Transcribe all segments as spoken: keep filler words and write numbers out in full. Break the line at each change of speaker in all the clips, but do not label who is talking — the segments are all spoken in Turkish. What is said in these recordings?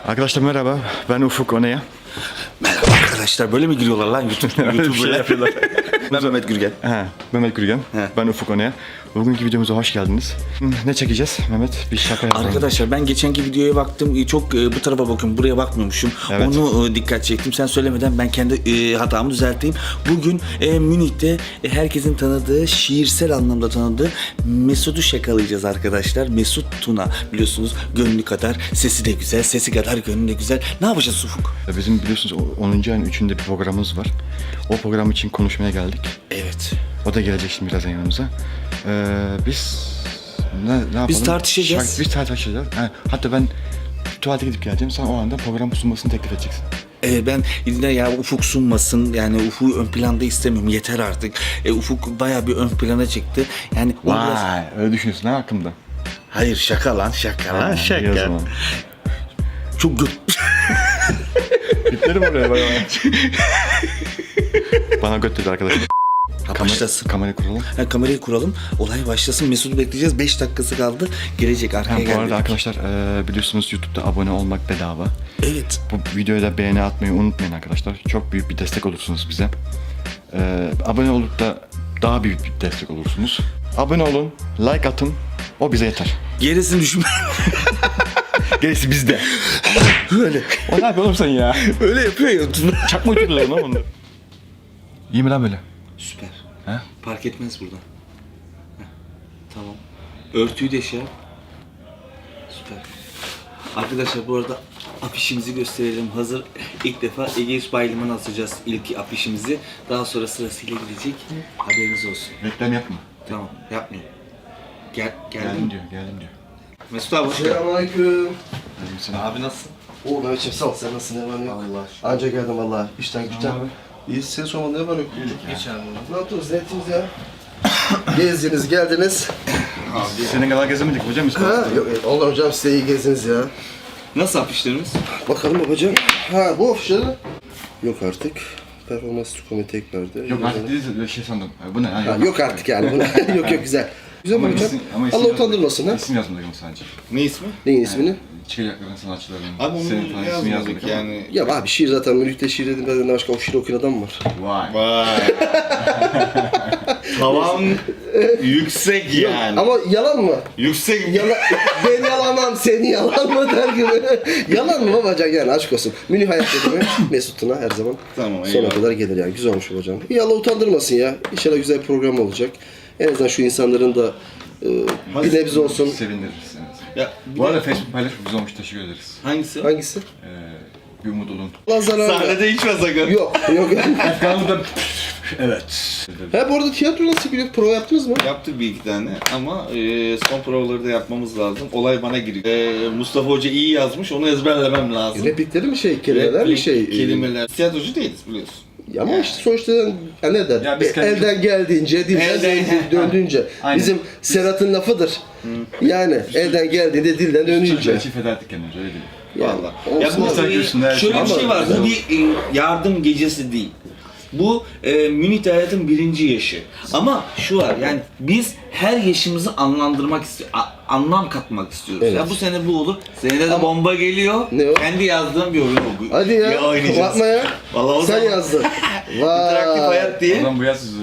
Arkadaşlar merhaba, ben Ufuk Onaya.
Merhaba arkadaşlar, böyle mi giriyorlar lan YouTube, YouTube
şey
böyle?
yapıyorlar.
Ben Mehmet Gürgen.
He, Mehmet Gürgen,
He.
ben Ufuk Onaya. Bugünkü videomuza hoş geldiniz. Ne çekeceğiz Mehmet? Bir şaka yapalım.
Arkadaşlar ben geçenki videoya baktım, çok e, bu tarafa bakıyorum, buraya bakmıyormuşum.
Evet.
Onu e, dikkat çektim. Sen söylemeden ben kendi e, hatamı düzelteyim. Bugün e, Münih'te e, herkesin tanıdığı, şiirsel anlamda tanıdığı Mesut'u şakalayacağız arkadaşlar. Mesut Tuna, biliyorsunuz gönlü kadar sesi de güzel, sesi kadar gönlü de güzel. Ne yapacağız Ufuk?
Bizim biliyorsunuz onuncu ayın üçünde bir programımız var. O program için konuşmaya geldik.
Evet.
O da gelecek şimdi birazdan yanımıza. Ee, biz ne, ne yapalım?
Biz tartışacağız.
Şarkı- biz tartışacağız. He, hatta ben tuvalete gidip geleceğim. Sen o anda program sunmasını teklif edeceksin.
Ee, ben yine ya Ufuk sunmasın, yani Ufuk'u ön planda istemiyorum, yeter artık. E, Ufuk bayağı bir ön plana çıktı. Yani o biraz...
Vay, öyle düşünüyorsun ha hakkımda.
Hayır, şaka lan, şaka lan,
Ha, iyi o
şaka.
zaman.
Çok gö...
Bitlerim oraya bana. Bana göt dedi arkadaşlar.
Ha,
Kamera,
başlasın.
kamerayı kuralım.
Ha, kamerayı kuralım, olay başlasın. Mesut'u bekleyeceğiz, beş dakikası kaldı. Gelecek, arkaya
Ha, bu
geldi.
arada arkadaşlar e, biliyorsunuz YouTube'da abone olmak bedava.
Evet.
Bu videoya da beğeni atmayı unutmayın arkadaşlar. Çok büyük bir destek olursunuz bize. E, abone olup da daha büyük bir destek olursunuz. Abone olun, like atın. O bize yeter.
Gerisini düşünme.
Gerisi bizde.
Öyle.
O ne yapıyor oğlum sen ya?
Öyle yapıyor ya.
Çakma uçuruyorlar lan onlar. İyi mi lan böyle?
Süper.
He?
Fark etmez buradan. Heh, tamam. Örtüyü de şey yap. Süper. Arkadaşlar bu arada afişimizi gösterelim. Hazır ilk defa Egeus Bayliman'a asacağız ilk afişimizi. Daha sonra sırasıyla gidecek. Haberiniz olsun.
Reklam yapma.
Tamam, yapmayın. Gel,
Geldim
geldim.
diyor, geldim diyor.
Mesut abi hoş geldin.
Selamünaleyküm.
Abi nasılsın?
Oo Mehmetciğim sağ ol. Sen nasılsın? Ne var ne yok?
Allah.
Anca geldim valla. İşten güçten.
abi.
İyi. Seni sormalı ne var yok?
Geç abi.
Ne yaptınız? Ne ettiniz ya? Gezdiniz, geldiniz.
Senin kadar gezemedik hocam biz.
Ha? Yok, Allah hocam size iyi gezdiniz ya.
Nasıl afişlerimiz?
Bakalım babacığım. Ha bu afişleri. Yok artık. Performans komite tekrardı.
Yok artık değilse bir şey sandım. Ha, bu ne? Ha,
Ha, yok artık yani. Bu- yok yok güzel. Güzel mi
Ama
hocam?
isim- ama isim
Allah
yazmadık.
utandırmasın ha.
İsim yazmadık ama sadece.
Ne ismi?
Neyin ismini?
Çıkacakların sanatçıların.
Abi onu
senin falan ismini
yazmadık
yazmadık ama.
yani.
Ya abi şiir zaten Münih'te şiir dedim. Benden başka o şiir okuyan adam mı var?
Vay.
Vay. Tavan yüksek yani.
Ama yalan mı?
Yüksek.
Yalan, ben yalanam, seni yalan mı der gibi. Yalan mı babacan yani aşk olsun. Münih hayat dedi mi Mesut'una her zaman
Tamam,
sona
eyvallah.
kadar gelir yani. Güzel olmuş babacan. İyi Allah utandırmasın ya. İnşallah güzel bir program olacak. En azından şu insanların da e, bir nebze olsun.
Sevindiririz. Evet.
Ya, bir
Bu
de-
arada Facebook paylaşım güzel olmuş, teşekkür ederiz.
Hangisi?
Hangisi?
Ee, bir umut olun.
Allah zarar.
Sahnede içme sakın.
Yok yok.
Efkanlı'da evet.
Ha bu arada tiyatro nasıl gidiyor? Prova yaptınız mı?
Yaptık bir iki tane ama e, son provaları da yapmamız lazım. Olay bana giriyor. E, Mustafa Hoca iyi yazmış, onu ezberlemem lazım.
Replikleri mi şey, kelimeler mi
Replik,
şey?
Kelimeler. Tiyatrocu değiliz biliyorsun.
Ya ama işte sonuçta ya ne der?
Ya biz
E,
kendi-
elden geldiğince, dilden
Elden-
döndü- döndüğünce.
Aynen.
Bizim Serhat'ın lafıdır. Yani elden geldiğinde dilden dönünce.
Çocuklar feda ettik kendimizi, öyle değil.
Yani,
Ya
olsun
bu
abi.
Sen görsün, her
şöyle
şey.
bir şey
Ama-
var. Bu bir e, yardım gecesi değil. Bu e, Münih'te hayatın birinci yaşı. Ama şu var yani biz her yaşımızı anlandırmak istiyoruz. Anlam katmak istiyoruz.
Evet.
Ya bu sene bu olur. Senede de
Ama-
bomba geliyor.
Ne o?
Kendi yazdığım bir oyun oldu.
Hadi ya.
oynayacağız.
Bakma ya.
Vallahi o
Sen
zaman-
yazdın.
İnteraktif
Vay.
hayat diye.
Adam bu yaz sizi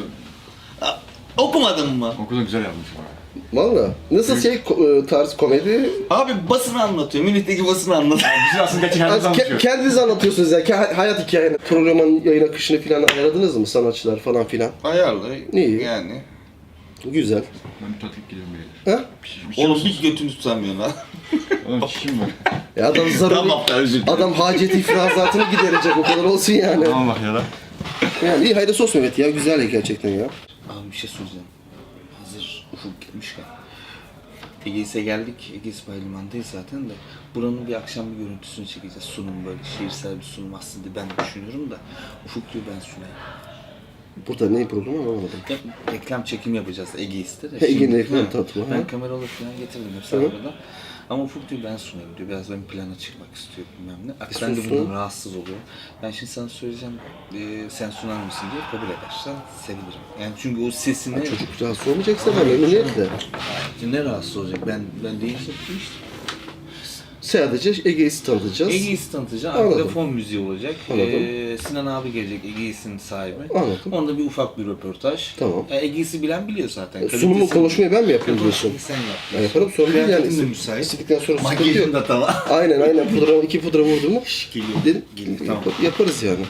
Okumadın mı?
okulda güzel yapmış bu arada.
Valla. Nasıl şey ko- e, tarz komedi?
Abi basını anlatıyor. Münih'teki basını anlatıyor.
Biz aslında gerçek
Az
hayatımızı
ke-
anlatıyor.
kendiniz anlatıyorsunuz ya. Ke- hayat hikayeni. Programın yayın akışını falan ayarladınız mı? Sanatçılar falan filan.
Ayarlı.
İyi.
Yani.
Güzel.
Ben bir tatlık gidiyorum böyle.
Ha?
Bir şey
Oğlum
olsun.
hiç götünü tutamıyorsun ha.
Oğlum çişim var.
Ya adam zararı...
Tamam da özür dilerim.
Adam hacet ifrazatını giderecek o kadar olsun yani.
Tamam bak ya da.
Yani iyi hayırlısı olsun Mehmet ya. Güzel gerçekten ya.
Abi bir şey söyleyeceğim. Hazır Ufuk gelmişken. Egeis'e geldik. Egeis Bayliman'dayız zaten de. Buranın bir akşam bir görüntüsünü çekeceğiz. Sunum böyle şiirsel bir sunum aslında ben düşünüyorum da. Ufuk diyor ben sunayım.
Burada ne programı anlamadım.
Ya, reklam çekim yapacağız Egeis'te de.
Egeis'in
Şimdi-
reklam
Hı.
tatlı,
Ben
ha.
kameralı falan getirdim hep
Hı.
burada. Ama Ufuk diyor ben sunayım diyor. Biraz ön plana çıkmak istiyor bilmem ne. Bak,
E,
ben de
sunsun.
bundan rahatsız oluyorum. Ben şimdi sana söyleyeceğim. E, sen sunar mısın diye kabul edersen sevinirim. Yani çünkü o sesini...
Çocuk rahatsız olmayacaksa ben memnuniyetle.
Ne rahatsız olacak? Ben ben değiştim işte.
Sadece Egeis'i tanıtacağız.
Egeis'i tanıtacağım.
Anladım.
Arkada fon müziği olacak.
Anladım.
Ee, Sinan abi gelecek, Egeis'in sahibi.
Anladım.
Onda bir ufak bir röportaj.
Tamam.
E, Egeis'i bilen biliyor zaten.
Sunumu
Kalitesi-
konuşmayı ben mi yapıyorum diyorsun?
Sen yap.
Ben yaparım, sorun değil yani.
Kıyafetin de müsait.
İstedikten sonra sıkıntı
Makyajın
yok.
da tamam.
Aynen aynen pudra, iki pudra vurdum mu
Geliyor.
dedim,
Geliyor,
yap-
tamam.
yaparız yani.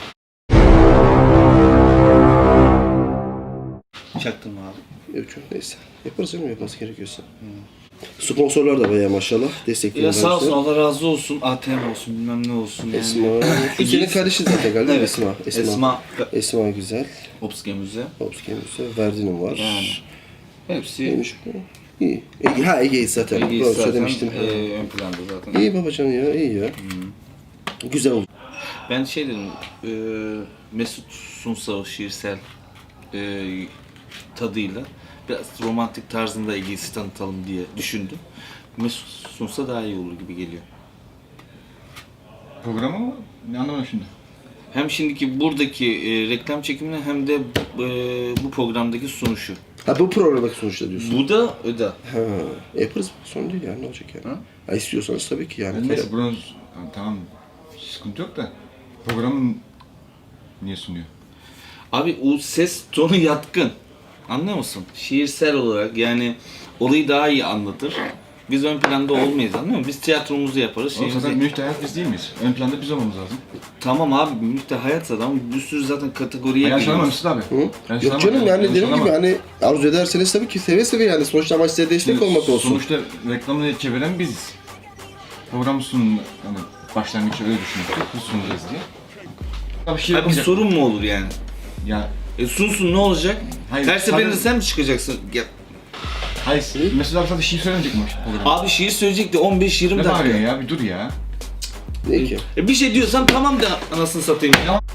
Çaktım abi.
Yok çok neyse. Yaparız canım yapması gerekiyorsa. Sponsorlar da bayağı maşallah destekliyor.
Ya sağ olsun, Allah razı olsun. A T M olsun, bilmem ne olsun. Yani.
Esma. İkinin kardeşi zaten galiba
Evet.
Esma. Esma.
Esma.
Esma güzel.
Opske Müze.
Hopski Müze. Verdin'im var.
Yani. Hepsi
Neymiş bu? İyi. Ege, ha Ege'yiz zaten.
Egeis
Doğru
zaten
söylemiştim.
e, ön planda zaten.
İyi babacan ya, iyi ya. Güzel oldu.
Ben şey dedim, e, Mesut Sunsa şiirsel e, tadıyla biraz romantik tarzında Egeis'i tanıtalım diye düşündüm. Mesut Sunsa daha iyi olur gibi geliyor.
Programı mı? Ne anlamadım şimdi.
Hem şimdiki buradaki e, reklam çekimine hem de e, bu programdaki sunuşu.
Ha bu programdaki sonuçta diyorsun.
Bu da öde.
Ha, yaparız. Sorun değil yani, ne olacak yani.
Ha?
Ha, istiyorsanız tabii ki yani.
Yani neyse buranın tamam sıkıntı yok da programın niye sunuyor?
Abi o ses tonu yatkın. Anlıyor musun? Şiirsel olarak yani olayı daha iyi anlatır. Biz ön planda olmayız, anlıyor musun? Biz tiyatromuzu yaparız.
Oğlum
şeyimizi-
zaten Münih'te hayat biz değil miyiz? Ön planda biz olmamız lazım.
Tamam abi, Münih'te hayat ama bir sürü zaten kategoriye
Yanlış
giriyoruz.
anlamamışsın abi.
Hı?
Yanlış
Yok canım
anlama.
yani
Yanlış
dediğim gibi
anlama.
hani arzu ederseniz tabii ki seve seve yani. Sonuçta amaç size destek olmak olsun.
Sonuçta reklamını çeviren biziz. Program sunum hani başlangıçta öyle düşünmüştük. Biz sunacağız diye. Abi şey
Abi bir
yapacak.
sorun mu olur yani?
Ya
E sunsun ne olacak?
Hayır,
Her seferinde
sadece-
sen mi çıkacaksın? Ya,
hayır. Mesela abi sadece şiir söylemeyecek mi program?
abi şiir söyleyecekti on beş yirmi
Ne
dakika.
bağırıyorsun ya? Bir dur ya.
Ne ki?
E bir şey diyorsan tamam de anasını satayım.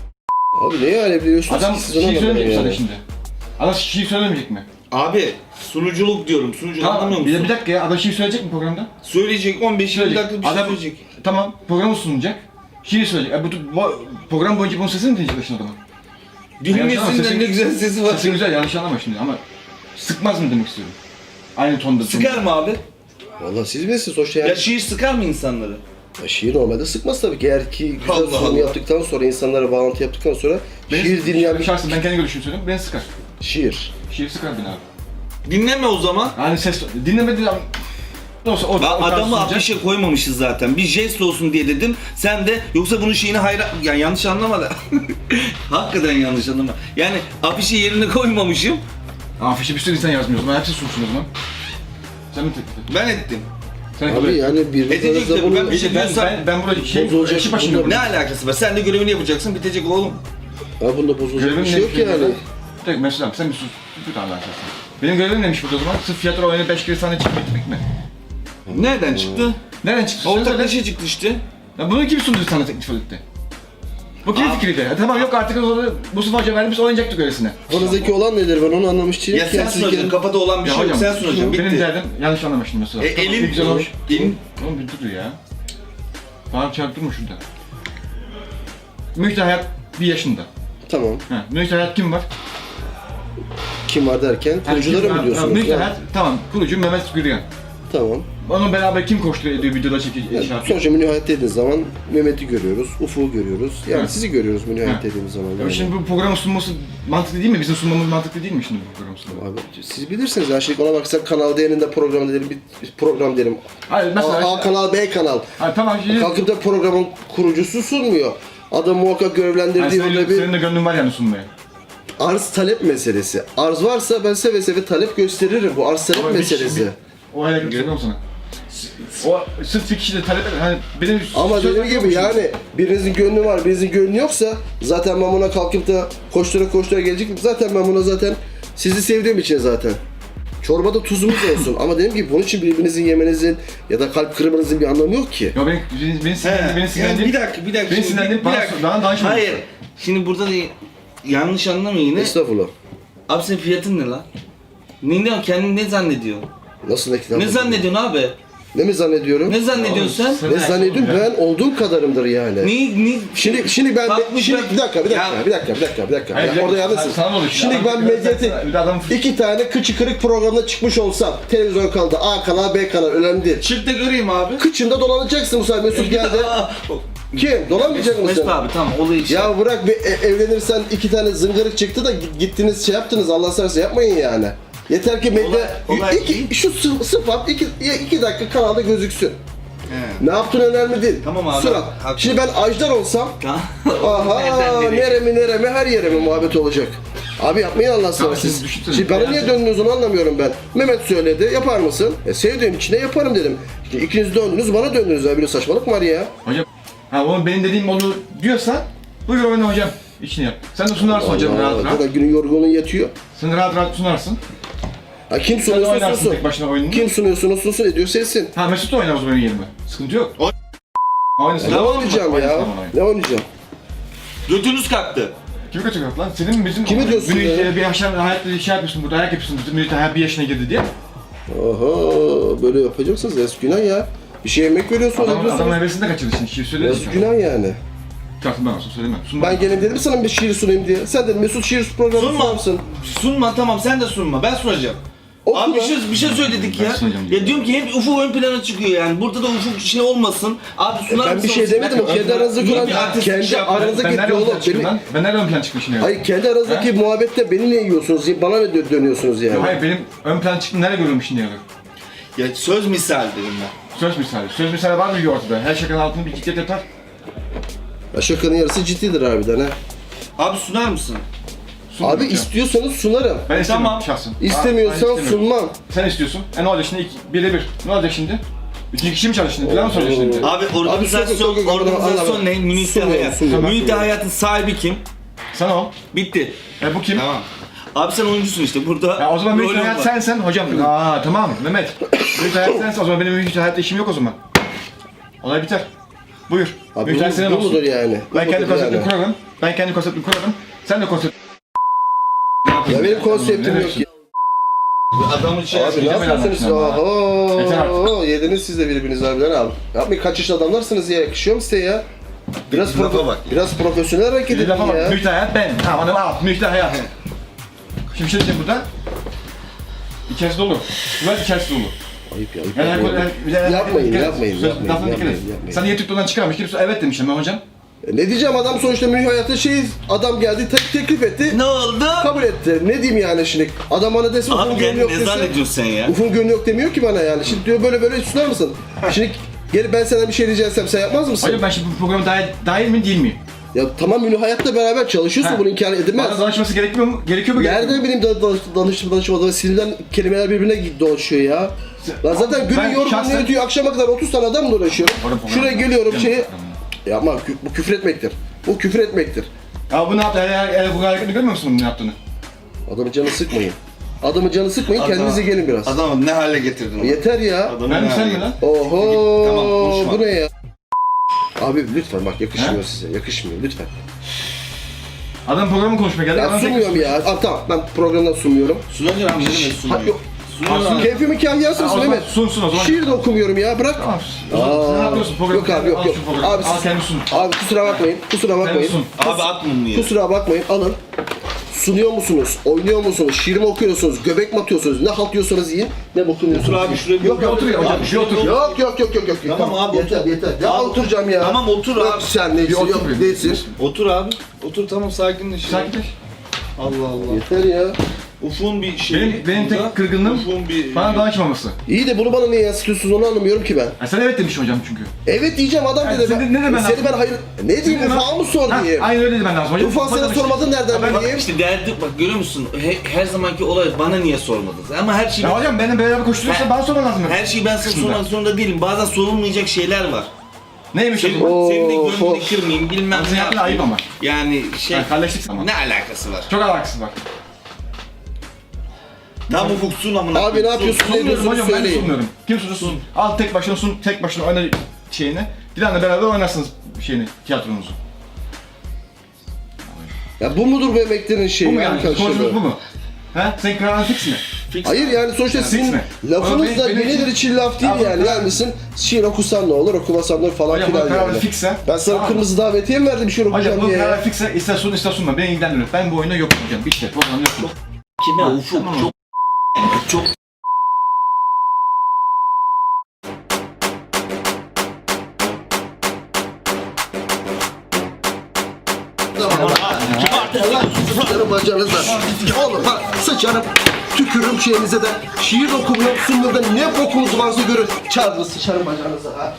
Abi neye alevliyorsunuz
Adam
ki siz
şiir
ona
söylemeyecek mi
yani.
sadece şimdi? Adam şiir söylemeyecek mi?
Abi sunuculuk diyorum. Sunuculuk anlamıyor
Tamam. Bir,
musun?
bir dakika ya. Adam şiir söyleyecek mi programda?
Söyleyecek on beş yirmi dakika bir şey
Adam,
söyleyecek.
Tamam. Programı sunacak. Şiir söyleyecek. E, bu, bu, program boyunca bunun sesini mi dinleyeceksin adamın?
Dinlemesinler ne güzel sesi var.
Sesi güzel, yanlış anlama şimdi ama sıkmaz mı demek istiyorum? Aynı tonda.
Sıkar mı abi?
Valla siz bilirsiniz sonuçta yani.
Ya şiir sıkar mı insanları?
Ya şiir normalde sıkmaz tabii ki. Eğer ki güzel
Allah
sunum
Allah.
yaptıktan sonra, insanlara bağlantı yaptıktan sonra şiir dinleyen bir
Şahsen ben kendi görüşümü söyleyeyim, beni sıkar.
şiir.
Şiir sıkar beni abi.
Dinleme o zaman.
Yani ses, dinlemedi ama... Olsa o,
Ben
o tarz
adamı
sunacak.
afişe koymamışız zaten. Bir jest olsun diye dedim. Sen de yoksa bunun şeyini hayra... Yani yanlış anlama da. Hakikaten yanlış anlama. Yani afişi yerine koymamışım.
Afişe bir sürü insan yazmıyor o zaman, hepsi sunsun o zaman. Sen mi teklif ettin?
Ben ettim.
Sen kabul
Abi
et.
yani birbirinize
Edecek tabii,
bunu...
ben bir şey
Ben,
diyorsam-
ben, ben burada şey,
Bozulacak,
işi başında
bunda-
Ne
yapıyorum.
alakası var? Sen de görevini yapacaksın. Bitecek oğlum.
Ya bunda bozulacak
Görevim
bir şey yok
ne?
yani.
Bir dakika Mesut abi sen bir sus. Bir tane daha sen. Benim görevim neymiş burada o zaman? Sırf tiyatro oyunu beş kere sahne çıkıp bitmek mi?
Nereden çıktı?
Nereden çıktı? Söyle söyle.
Ortaklaşa çıktı işte.
Ya bunu kim sundu sana teklif etti? Bu kimin
Abi-
fikriydi? Ya tamam yok artık o zaman Mustafa Hoca verdi biz oynayacaktık öylesine.
Kafanızdaki olan nedir, ben onu anlamış değilim.
Ya sen
Kendisi
sunacaksın.
kendi-
Kafada olan bir
Ya
şey yok.
hocam
Sen sunacaksın.
benim
Bitti.
derdim yanlış anlamıştım mesela.
E,
Tamam,
elin-
ne güzel olmuş.
elin-
Oğlum bir dur ya. Bana çarptırma şurada. Müjde Hayat bir yaşında.
Tamam.
Ha, Müjde Hayat kim var?
Kim var derken,
Ha,
kurucuları
kim-
mı
ha,
diyorsunuz?
Müjde
Ya,
Hayat tamam. Kurucu Mehmet Gürgen.
Tamam.
Onun beraber kim koşturuyor ediyor videoda çekiyor
Yani
şey yapıyor.
sonuçta Münihayet dediğiniz zaman Mehmet'i görüyoruz, Ufuk'u görüyoruz. Yani
Ha.
sizi görüyoruz Münihayet
Ha.
dediğimiz zaman.
Ya
yani.
şimdi bu programın sunması mantıklı değil mi? Bizim sunmamız mantıklı değil mi şimdi bu programın sunması?
Abi siz bilirsiniz ya, şimdi ona baksak Kanal D'nin de programı derim, bir program derim.
Hayır mesela...
A, A kanal, B kanal.
Hayır tamam şimdi...
Kalkıp da programın kurucusu sunmuyor. Adam muhakkak
Yani
görevlendirdiği
senin,
yönde bir
senin de gönlün var yani sunmaya.
arz talep meselesi. Arz varsa ben seve seve talep gösteririm. Bu arz talep
Ama bir
meselesi.
kişi- O hayal gösteriyorum sana. O sırf bir kişi de talep eder. Hani benim
Ama
söz
dediğim
hakkım
gibi
yok
yani birinizin gönlü var, birinizin gönlü yoksa zaten ben buna kalkıp da koştura koştura gelecek. Zaten ben buna zaten sizi sevdiğim için zaten. Çorbada tuzumuz olsun ama dediğim gibi bunun için birbirinizin yemenizin ya da kalp kırmanızın bir anlamı yok ki.
Ya benim beni, beni sinirlendi, beni
yani
sinirlendi.
bir dakika, bir dakika.
Beni
şimdi,
sinirlendi,
bir
bana
dakika.
sor- bana danışma.
Hayır. Şimdi burada da yanlış anlama yine.
Estağfurullah.
Abi senin fiyatın ne lan? Ne, ne kendini ne zannediyorsun?
Nasıl ne kitap?
Ne zannediyorsun abi?
Ne mi zannediyorum?
Ne zannediyorsun sen?
Ne zannediyorum? Ben olduğum kadarımdır yani.
Ne, ne?
Şimdi şimdi ben
Kalkmış
şimdi
bak-
bir dakika bir dakika
Ya-
bir dakika bir dakika bir dakika.
Hayır,
Ya
bir dakika.
orada yalnızsın.
Sana ne oluyor?
Şimdi
Adam
ben
kırık
medyatik
sen- bir adam-
iki tane kıçı kırık programda çıkmış olsam televizyon kanalında A kanal B kanal önemli değil.
Çık da göreyim abi.
Kıçında dolanacaksın bu sefer Mesut geldi. Kim? Dolanmayacak mısın?
Mesut abi tamam olayı işte.
Ya bırak bir e- evlenirsen iki tane zıngırık çıktı da git- gittiniz şey yaptınız Allah seversen yapmayın yani. Yeter ki medya
Olay- olay
iki,
değil.
şu sı- sıfat iki, iki dakika kanalda gözüksün.
He.
Ne yaptığın önemli değil.
Tamam abi,
Surat.
haklı.
Şimdi ben Ajdar olsam
Tamam.
aha
Nereden nereye?
neremi neremi her yere mi muhabbet olacak. Abi yapmayın Allah sana
Tamam,
siz.
siz düşünsene.
Şimdi bana
Yani-
niye döndünüz onu anlamıyorum ben. Mehmet söyledi yapar mısın? E sevdiğim için de yaparım dedim. İşte ikiniz döndünüz bana döndünüz abi böyle saçmalık var ya.
Hocam, ha oğlum benim dediğim olur diyorsan buyur oyna hocam. İşini yap. Sen de sunarsın hocam
Allah,
rahat rahat.
kadar günün yorgunluğu yetiyor.
Sen rahat rahat sunarsın.
Ha, kim
Sen de
sunuyorsa
oynarsın
sunsun.
tek başına oyununu.
Kim sunuyorsa sunsun ediyorsa etsin.
Ha Mesut da oynar o zaman benim yerime. Sıkıntı yok.
O-
Oynasın.
Ne
Tamam,
oynayacağım
Oynasın
ya?
ama oyna.
Ne oynayacağım?
Götünüz kalktı.
Kimi kaçırıyor lan? Senin mi bizim mi?
Kimi diyorsun
Münih,
ya?
Bir yaşam hayatta bir şey yapıyorsun burada, ayak yapıyorsun. Bizim Münih daha bir yaşına girdi diye.
Oho böyle yapacaksınız eski günah ya. Bir şey yemek veriyorsunuz
Adam,
ediyorsunuz.
adamın hevesinde kaçırdı şimdi. Şiir söyledi
Eski
şu an.
günah yani.
Çaktım ben olsun söyleme. Sun
Ben gelin dedim sana bir şiir sunayım diye. Sen dedin Mesut şiir programı
Sunma.
sunar mısın?
Sunma tamam sen de sunma. Ben sunacağım.
Oku
Abi bir
lan.
şey, bir şey söyledik
Ben
ya.
sunacağım diyor.
Ya diyorum ki hep Ufuk ön plana çıkıyor yani. Burada da Ufuk şey olmasın. Abi sunar
Ben bir
mısın?
şey demedim o
Ben-
kendi aranızda
İyi
kuran
bir artist
kendi
bir şey yapma.
aranızdaki
Ben nereden ön plana
diyalog
çıktım
beni...
lan? Ben nereden ön plana çıkmışım ya?
Hayır kendi aranızdaki muhabbette beni ne yiyorsunuz? Bana ne dö- dönüyorsunuz yani?
Hayır benim ön plan çıktım nereye görüyorum şimdi ya?
Ya söz misal dedim ben.
Söz misali. Söz misali var mı ortada? Her şakanın altında bir ciddiyet yatar.
Ya şakanın yarısı ciddidir harbiden ha.
Abi sunar mısın?
Sun
Abi
ya.
istiyorsanız sunarım.
Ben istemiyorum
Tamam.
şahsın.
İstemiyorsan
Ben istemiyorum.
sunmam.
Sen istiyorsun. E ne olacak şimdi? İki, birde bir. Ne olacak şimdi? Üçüncü kişi mi çalıştın? Plan mı soracaksın şimdi?
Abi organizasyon,
sokak- sokak-
organizasyon
Anlamadım.
ne? Münih'te
Sunmuyorum,
hayat.
sunmuyorum.
Münih'te hayatın sahibi kim?
Sana o.
Bitti.
E bu kim?
Tamam. Abi sen oyuncusun işte burada.
Ya o zaman
rolün
Münih'te hayat
var.
sensen hocam. Aa tamam Mehmet. Münih'te hayat sensen o zaman benim Münih'te hayatta işim yok o zaman. Olay biter. Buyur.
Abi
Münih'te
bu,
senin
bu
olsun.
mudur yani? Bu
Ben kendi
mudur
konseptimi
yani?
kurarım. Ben kendi konseptimi kurarım. Sen de konsept...
Ya benim konseptim yok ya.
Adamın şey
Abi ne
Gidemeden
yapıyorsunuz?
anlatacağım
Oho,
Yeter artık.
yediniz siz de birbirinizi harbiden abi. Yapmayın kaç yaşlı adamlarsınız ya, yakışıyor mu size ya? Biraz,
Bir lafa
profe-
bak.
biraz profesyonel hareket
Bir
edin
lafa bak.
ya.
Münih'te hayat ben. Ha bana al. Münih'te hayat. Şimdi bir şey diyeceğim burada. İçerisi dolu. Bunlar içerisi dolu.
Ayıp ya, ayıp
Yani
yapmayın.
yani, yani,
Yapmayın,
dikkat et.
yapmayın,
Söz-
yapmayın,
lafına dikkat et.
yapmayın, yapmayın.
Sen niye TikTok'tan çıkarmış? Kimse evet demişim ben hocam.
E Ne diyeceğim adam sonuçta Münih hayata şey adam geldi tek teklif etti.
Ne oldu?
Kabul etti. Ne diyeyim yani şimdi? Adam bana desin Ufuk'un
Abi
gönlü
kendini
yok
ne
desin.
zannediyorsun sen ya?
Ufuk'un gönlü yok demiyor ki bana yani. Şimdi diyor böyle böyle sunar mısın? Şimdi gelip ben sana bir şey rica etsem sen yapmaz mısın?
Hocam ben şimdi bu programa dahil, dahil mi değil miyim?
Ya tamam Münih hayatta beraber çalışıyorsun
Ha.
bunu inkar edilmez.
Bana danışması gerekmiyor mu? Gerekiyor mu? gerekmiyor
Nereden
mu?
bileyim da- danış, danıştım danışmadan sinirden kelimeler birbirine dolaşıyor ya. Lan zaten günün
Ben
yorgunluğu
şahsen-
yetiyor akşama kadar otuz tane adamla uğraşıyorum.
Oğlum, program-
Şuraya geliyorum
Program-
şeyi... Yapma kü- bu küfür etmektir. Bu küfür etmektir.
Ya bu ne yaptı? Her, her, her, bu hareketini görmüyor musun bunun ne yaptığını?
Adamın canı sıkmayın. Adamın canı sıkmayın
Adam-
kendinize gelin biraz.
Adamı ne hale getirdin onu?
Yeter ya.
Adamı
Ben
ne
mi sen
hale
mi lan?
Oho
Tamam, konuşma.
bu ne ya? Abi lütfen bak yakışmıyor
He?
size yakışmıyor lütfen.
Adam programı konuşmaya geldi.
Ya
adam
sunmuyorum ya. Abi tamam ben programdan sunmuyorum.
Sunacaksın abi ne demek
Ha,
sunuyor?
yok.
Sunuyor abi.
Keyfimin kahyası
Ha, o
mısın
zaman
Mehmet?
sunsun o zaman.
Şiir de okumuyorum ya bırak.
Tamam. O zaman sen ne
Aa,
yapıyorsun? Programı
yok abi yok
al
yok.
şu programı.
Abi,
Al
siz-
kendi sun.
abi kusura bakmayın. Kusura
Kendi
bakmayın.
sun.
Abi at mumluyu.
Kusura bakmayın alın. Sunuyor musunuz? Oynuyor musunuz? Şiir mi okuyorsunuz? Göbek mi atıyorsunuz? Ne halt yiyorsanız yiyin. Ne bokunuyorsunuz?
Otur abi şuraya bir-
Yok
Bir
yok
otur ya hocam. Bir otur.
Yok yok yok yok yok.
Tamam abi,
Yeter
otur.
yeter. Ya
Abi,
oturacağım ya.
tamam, otur
Yok,
abi.
sen neysin?
Bir otur
Yok
bir.
değilsin.
Otur abi. Otur tamam sakinleş. ya.
Sakinleş.
Allah Allah.
Yeter ya.
Ufuk'un bir şey.
Benim, benim tek kırgınlığım
Ufuk'un bir...
bana danışmaması.
İyi de bunu bana niye yansıtıyorsunuz onu anlamıyorum ki ben.
Ha, sen evet demişsin hocam çünkü.
Evet diyeceğim adam
Yani
dedi.
sen
Ben,
de- ne demen
seni
lazım?
ben hayır... Ne diyeyim Ufak'a mı sor
Ha,
diyeyim?
aynen öyle dedi ben lazım hocam.
Ufak sana
demiştim.
sormadın nereden
ben-
bileyim?
İşte derdi bak görüyor musun? He- her zamanki olay bana niye sormadınız? Ama her şeyi
Ya hocam benimle beraber koşturuyorsa
Ha.
bana sorman lazım.
her şeyi ben sana
Kısmında.
sormak zorunda değilim. Bazen sorulmayacak şeyler var.
Neymiş
Senin,
hocam?
Oo,
senin de gönlünü
of.
kırmayayım bilmem
Abi
ne
sen yaptın, ayıp
yapayım.
ama.
Yani şey
Ha, kalleşlik ama.
ne alakası var?
Çok alakası var.
Tam ufuksun amına.
Abi ne yapıyorsun? Ne
Sunmuyorum
diyorsunuz
hocam ben de
söyleyin.
sunmuyorum. Kim sunur sun. Al tek başına sun, tek başına oyna şeyini. Dilan'la beraber oynarsınız şeyini, tiyatronuzu.
Ya bu mudur bu emeklerin şeyi?
Bu mu yani?
arkadaşlar?
Konuşmamız bu mu? Ha? Senin kararın fix mi?
Fix
Hayır
abi.
yani sonuçta
fix
sizin
mi?
lafınız
Ama
da
benim- benim
yenidir
için-
için laf değil
Abi,
yani.
ben-
Gelmişsin şiir okusan ne olur, okumasan ne olur falan
Hocam bu
filan
karar
yani.
fikse.
Ben sana
Tamam.
kırmızı davetiye mi verdim şiir
Hocam
okuyacağım
bu
diye ya?
karar fikse ister sun ister sunma. Beni ilgilendiriyor. Ben bu oyunda yokum hocam. Bitti. Program yokum.
Kime? Ufuk. Çok çok
Sıçarım bacağınıza. Oğlum ha sıçarım. Tükürüm şeyinize de. Şiir okumuyor, sunmuyor da ne bokunuz varsa görün. Çağırın sıçarım bacağınıza ha.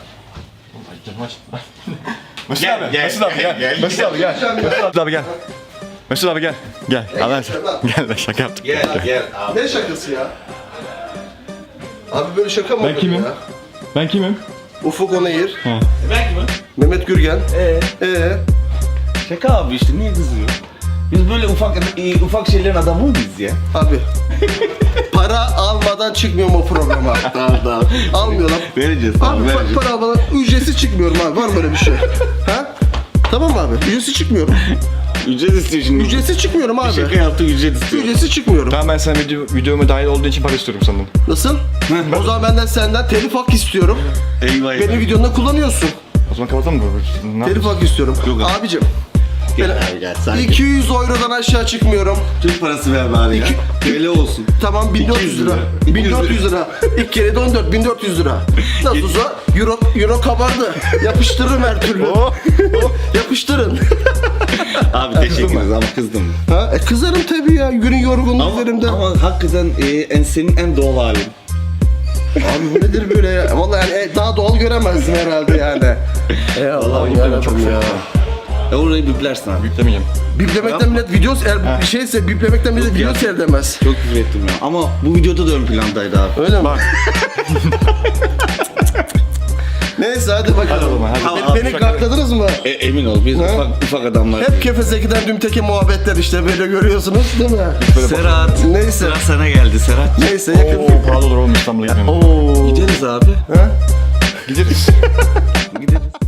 Mesut
Gel,
abi,
gel,
Mesut abi
gel,
gel.
gel,
Mesut abi gel. Mesut abi gel. Mesut abi gel. Gel. Allah aşkına. Gel be şaka yaptık.
gel gel abi.
Ne şakası ya? Abi böyle şaka mı
Ben
olur
kimim?
ya?
Ben kimim?
Ufuk Onayır,
Ben kimim?
Mehmet Gürgen.
Ee,
Ee,
şaka abi işte niye kızıyor? Biz böyle ufak e, ufak şeylerin adamı mı biz ya?
abi. Para almadan çıkmıyorum o programa.
Tamam tamam.
Almıyorlar.
Vereceğiz
Abi
tamam
pa-
vereceğiz.
para almadan ücretsiz çıkmıyorum abi. Var mı böyle bir şey? Ha? Tamam mı abi? Ücretsiz çıkmıyorum.
Ücret istiyor şimdi.
Ücretsiz çıkmıyorum abi.
Şaka yaptı ücret istiyor.
Ücretsiz çıkmıyorum.
Tamam ben sana video, videoma dahil olduğun için para istiyorum sandım.
Nasıl? O zaman benden senden telif hakkı istiyorum.
Eyvah eyvah.
Benim videonda kullanıyorsun.
O zaman kapatalım mı? Ne
Telif hakkı istiyorum.
Yok abi.
Abicim.
Gel
ben-
abi gel sakin.
iki yüz eurodan aşağı çıkmıyorum.
Türk parası ver bari ya. Öyle olsun.
Tamam bin dört yüz lira. bin dört yüz lira. İlk kere de on dört bin dört yüz lira. Nasıl olsa euro, euro kabardı. Yapıştırırım her türlü.
Oh.
Yapıştırın.
Abi teşekkür ederiz ama kızdım.
Ha, e kızarım tabii ya. Günün yorgunluğu
Ama,
üzerimde.
ama hakikaten e, en, senin en doğal halin.
Abi bu nedir böyle ya? Vallahi yani e, daha doğal göremezdim herhalde yani. E Allah'ım
Vallahi
yarabbim
çok
ya.
E orayı biplersin abi.
Yüklemeyeceğim.
Biplemekten millet video eğer bir şeyse biplemekten millet video
ya.
seyredemez.
Çok küfür ettim ya. Ama bu videoda da ön plandaydı abi.
Öyle mi? Neyse hadi bakalım.
Hadi o zaman, hadi.
Beni,
Abi,
beni
şaka-
gakladınız mı?
E, emin ol biz
Ha?
ufak ufak adamlar.
Hep Kefeseki'den Dümteke muhabbetler işte böyle görüyorsunuz değil mi?
Serhat.
Neyse.
Sıra sana geldi Serhat.
Neyse yakın.
Oo, pahalı olur oğlum İstanbul'a gitmem.
Oo.
Gideriz abi.
Ha?
Gideriz.
Gideriz.